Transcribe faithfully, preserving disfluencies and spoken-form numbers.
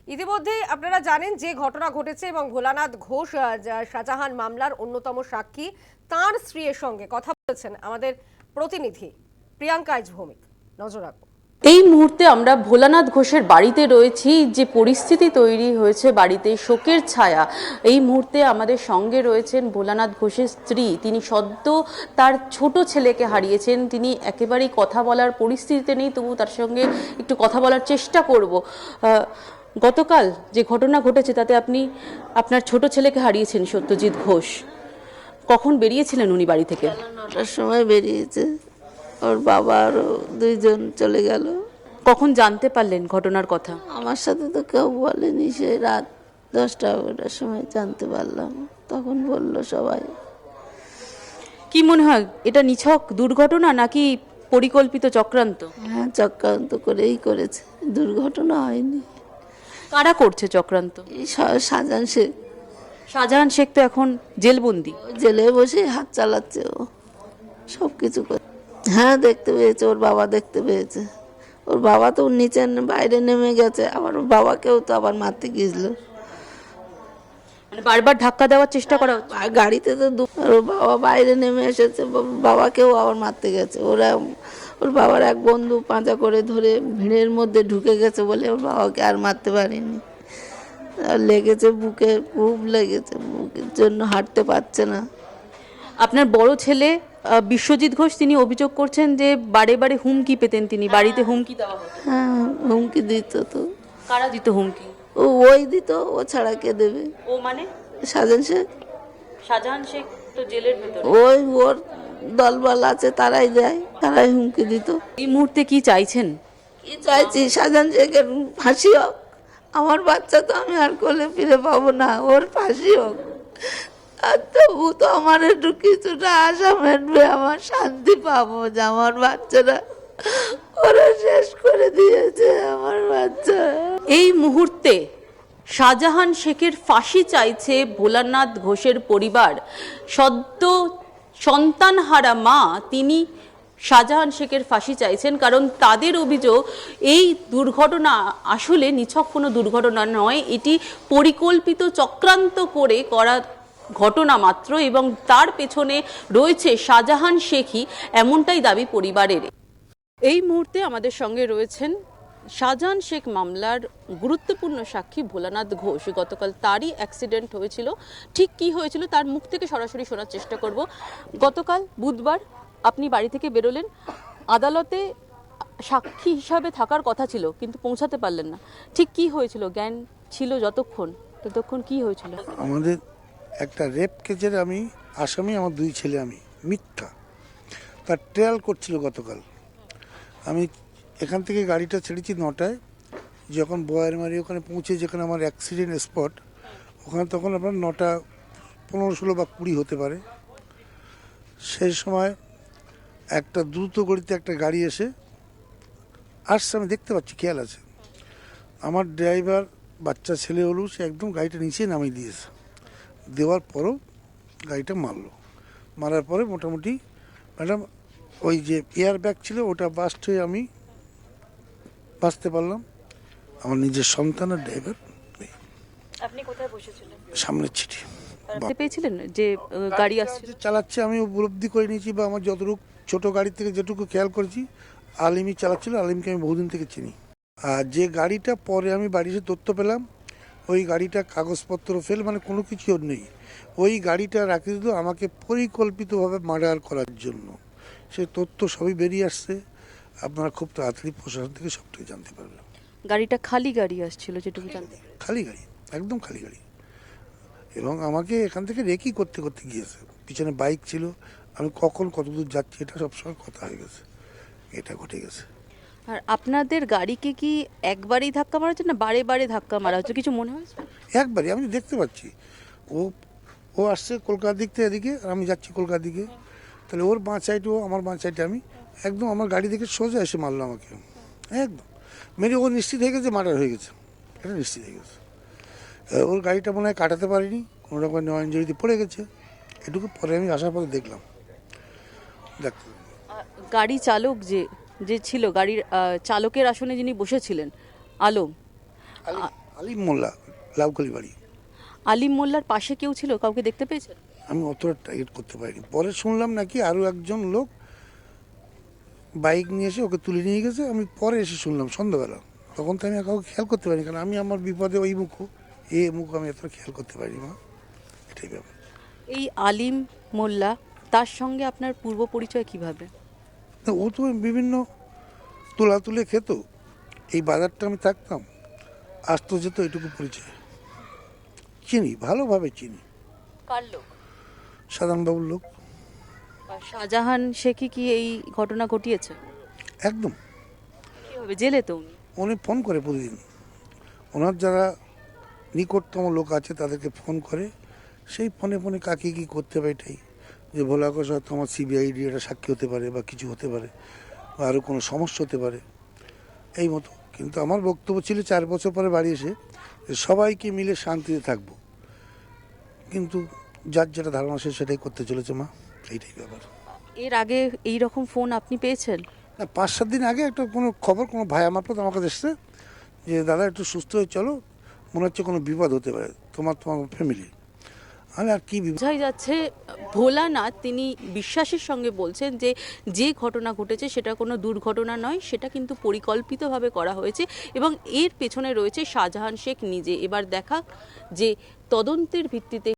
ইতিমধ্যেই আপনারা জানেন যে ঘটনা ঘটেছে এবং ভোলানাথ ঘোষ শাহজাহান মামলার অন্যতম সাক্ষী, তার স্ত্রীর সঙ্গে কথা বলেছেন আমাদের প্রতিনিধি প্রিয়াঙ্কা আইচ ভৌমিক। নজর রাখবো। এই মুহূর্তে আমরা ভোলানাথ ঘোষের বাড়িতে রয়েছি। যে পরিস্থিতি তৈরি হয়েছে বাড়িতে, শোকের ছায়া। এই মুহূর্তে আমাদের সঙ্গে রয়েছেন ভোলানাথ ঘোষের স্ত্রী। তিনি সদ্য তার ছোট ছেলেকে হারিয়েছেন। তিনি একেবারেই কথা বলার পরিস্থিতিতে নেই, তবু তার সঙ্গে একটু কথা বলার চেষ্টা করব। গতকাল যে ঘটনা ঘটেছে তাতে আপনি আপনার ছোট ছেলেকে হারিয়েছেন, সত্যজিৎ ঘোষ। কখন বেরিয়েছিলেন উনি বাড়ি থেকে? নটার সময় বেরিয়েছে। ওর বাবা আরও দুইজন চলে গেল। কখন জানতে পারলেন ঘটনার কথা? আমার সাথে তো কেউ বলেনি, সেই রাত দশটা এগারোটার সময় জানতে পারলাম, তখন বলল সবাই। কি মনে হয়, এটা নিছক দুর্ঘটনা নাকি পরিকল্পিত চক্রান্ত? হ্যাঁ, চক্রান্ত করেই করেছে, দুর্ঘটনা হয়নি। কারা করছে চক্রান্ত? এই শাহজাহান শেখ। শাহজাহান শেখ তো এখন জেলবন্দি। জেলে বসে হাত চালাচ্ছে ও, সব কিছু করে। হ্যাঁ, দেখতে পেয়েছে, ওর বাবা দেখতে পেয়েছে। ওর বাবা তো নিচে বাইরে নেমে গেছে, আবার ওর বাবাকেও তো আবার মারতে গিয়েছিল। মানে বারবার ধাক্কা দেওয়ার চেষ্টা করা হচ্ছে। আর গাড়িতে তো ওর বাবা বাইরে নেমে এসেছে, বাবাকেও আবার মারতে গেছে। ওরা ওর বাবার এক বন্ধু পাঁচা করে ধরে ভিড়ের মধ্যে ঢুকে গেছে বলে ওর বাবাকে আর মারতে পারেনি। লেগেছে বুকে, খুব লেগেছে, বুকের জন্য হাঁটতে পারছে না। আপনার বড় ছেলে বিশ্বজিৎ ঘোষ, তিনি অভিযোগ করছেন যে বারে বারে হুমকি পেতেন তিনি, বাড়িতে হুমকি দেওয়া হতো। হ্যাঁ, হুমকি দিত তো। কারা দিত হুমকি? ও ওই দিত, ও ছাড়া কে দেবে? ও মানে শাহজাহান শেখ। শাহজাহান শেখ তো জেলের ভেতরে। ওই ওর দলবল আছে, তারাই দেয়, তারাই হুমকি দিত। এই মুহূর্তে কি চাইছেন? কি চাইছি? শাহজাহান শেখের ফাঁসি হোক। আমার বাচ্চা তো আমি আর কোলে ফিরে পাবো না, ওর ফাঁসি হোক। আর তবু তো আমার একটু কিছুটা আশা মেটবে, আমার শান্তি পাবো যে আমার বাচ্চারা ওরা শেষ করে দিয়েছে আমার বাচ্চা। এই মুহূর্তে শাহজাহান শেখের ফাঁসি চাইছে ভোলানাথ ঘোষের পরিবার। সদ্য সন্তানহারা মা তিনি শাহজাহান শেখের ফাঁসি চাইছেন, কারণ তাদের অভিযোগ এই দুর্ঘটনা আসলে নিছক কোনো দুর্ঘটনা নয়, এটি পরিকল্পিত চক্রান্ত করে করা ঘটনা মাত্র, এবং তার পেছনে রয়েছে শাহজাহান শেখই, এমনটাই দাবি পরিবারের। এই মুহূর্তে আমাদের সঙ্গে রয়েছেন শাহজাহান শেখ মামলার গুরুত্বপূর্ণ সাক্ষী ভোলানাথ ঘোষ। গতকাল তারই অ্যাক্সিডেন্ট হয়েছিল, ঠিক কি হয়েছিল তার মুখ থেকে সরাসরি শোনার চেষ্টা করব। গতকাল বুধবার আপনি বাড়ি থেকে বেরোলেন, আদালতে সাক্ষী হিসাবে থাকার কথা ছিল কিন্তু পৌঁছাতে পারলেন না। ঠিক কি হয়েছিল? জ্ঞান ছিল যতক্ষণ, ততক্ষণ কি হয়েছিল? আমাদের একটা রেপ কেসের আমি আসামি, আমার দুই ছেলে, আমি মিথ্যা তার ট্রায়াল করছিল গতকাল। আমি এখান থেকে গাড়িটা ছেড়েছি নটায়, যখন বয়ারমারি ওখানে পৌঁছে, যেখানে আমার অ্যাক্সিডেন্ট স্পট, ওখানে তখন আপনার নটা পনেরো ষোলো বা কুড়ি হতে পারে। সেই সময় একটা দ্রুত গতিতে একটা গাড়ি এসে আসছে, আমি দেখতে পাচ্ছি, খেয়াল আছে। আমার ড্রাইভার বাচ্চা ছেলে হলো, সে একদম গাড়িটা নিচে নামিয়ে দিয়েছে। দেওয়ার পরও গাড়িটা মারলো। মারার পরে মোটামুটি ম্যাডাম ওই যে এয়ার ব্যাগ ছিল ওটা বাস্ট হয়ে আমি বাঁচতে পারলাম। আমার নিজের সন্তান আর ড্রাইভার। আপনি কোথায় বসেছিলেন? সামনের ছিটি পেয়েছিলেন যে গাড়ি আসছে চালাচ্ছে, আমি উপলব্ধি করে নিয়েছি, বা আমার যতটুকু ছোট গাড়ি থেকে যেটুকু খেয়াল করেছি, আলিমই চালাচ্ছিল। আলিমকে আমি বহুদিন থেকে চিনি। আর যে গাড়িটা পরে আমি বাড়ি এসে তথ্য পেলাম, ওই গাড়িটা কাগজপত্র ফেল, মানে কোনো কিছু নেই, ওই গাড়িটা রাখি দিল আমাকে পরিকল্পিতভাবে মার্ডার করার জন্য। সে তথ্য সবই বেরিয়ে আসছে, আপনারা খুব তাড়াতাড়ি প্রশাসন থেকে সবটাই জানতে পারবেন। গাড়িটা খালি গাড়ি আসছিল যেটুকু জানতে? খালি গাড়ি, একদম খালি গাড়ি, এবং আমাকে এখান থেকে রেকি করতে করতে গিয়েছে। পিছনে বাইক ছিল, আমি কখন কতদূর যাচ্ছি এটা সবসময় কথা হয়ে গেছে, এটা ঘটে গেছে। আর আপনাদের গাড়িকে কি একবারই ধাক্কা মারা হচ্ছে না বারে বারে ধাক্কা মারা হচ্ছে, কিছু মনে হয়েছে? একবারই, আমি দেখতে পাচ্ছি ও ও আসছে কলকাতার দিক থেকে এদিকে, আর আমি যাচ্ছি কলকাতার দিকে, তাহলে ওর বাঁ সাইডে ও, আমার বাঁ সাইডে আমি, একদম আমার গাড়ি দেখে সোজা এসে মারলো আমাকে একদম মেরে। ও নিশ্চিত হয়ে গেছে মার্ডার হয়ে গেছে, এটা নিশ্চিত হয়ে গেছে। ওর গাড়িটা মনে হয় কাটাতে পারিনি, কোনো রকম নয় ইঞ্জুরিতে পড়ে গেছে, এটুকু পরে আমি আসার পরে দেখলাম। দেখ, গাড়ি চালক যে যে ছিল, গাড়ির চালকের আসনে যিনি বসেছিলেন, আলম, আলিম মোল্লা, লাউখালি বাড়ি। আলিম মোল্লার পাশে কেউ ছিল, কাউকে দেখতে পেয়েছেন? আমি অতটা টার্গেট করতে পারিনি। পরে শুনলাম নাকি আরও একজন লোক বাইক নিয়ে এসে ওকে তুলে নিয়ে গেছে। আমি পরে এসে শুনলাম সন্ধ্যাবেলা, তখন তো আমি আর কাউকে খেয়াল করতে পারিনি, কারণ আমি আমার বিপদে ওই মুখ এ মুখ আমি এতটা খেয়াল করতে পারিনি মা, এটাই ব্যাপার। এই আলিম মোল্লা, তার সঙ্গে আপনার পূর্ব পরিচয় কিভাবে? তো ও তো বিভিন্ন তোলা তুলে খেত, এই বাজারটা আমি থাকতাম, আসতো যেত, এটুকু পরিচয়। চিনি, ভালোভাবে চিনি। কার লোক? সাধারণবাবুর লোক। আর শাহজাহান শেখই কি এই ঘটনা ঘটিয়েছে? একদম। কিভাবে? জেলে তো উনি। উনি ফোন করে প্রতিদিন, ওনার যারা নিকটতম লোক আছে তাদেরকে ফোন করে, সেই ফোনে ফোনে কাকে কী করতে হবে এটাই, যে ভোলা ঘোষ হয়তো আমার সিবিআইডি এটা সাক্ষী হতে পারে বা কিছু হতে পারে বা আরও কোনো সমস্যা হতে পারে, এই মতো। কিন্তু আমার বক্তব্য ছিল চার বছর পরে বাড়ি এসে যে সবাইকে মিলে শান্তিতে থাকবো, কিন্তু যার যেটা ধারণা সে সেটাই করতে চলেছে মা, এইটাই ব্যাপার। এর আগে এই রকম ফোন আপনি পেয়েছেন? না, পাঁচ সাত দিন আগে একটা কোনো খবর কোনো ভাই মারফত আমার কাছে এসছে যে দাদা একটু সুস্থ হয়ে চলো, মনে হচ্ছে কোনো বিপদ হতে পারে তোমার তোমার ফ্যামিলি। আমি আর কি বিপদ। বোঝাই যাচ্ছে ভোলানাথ তিনি বিশ্বাসের সঙ্গে বলছেন যে যে ঘটনা ঘটেছে সেটা কোনো দুর্ঘটনা নয়, সেটা কিন্তু পরিকল্পিতভাবে করা হয়েছে এবং এর পেছনে রয়েছে শাহজাহান শেখ নিজে। এবার দেখা যে তদন্তের ভিত্তিতে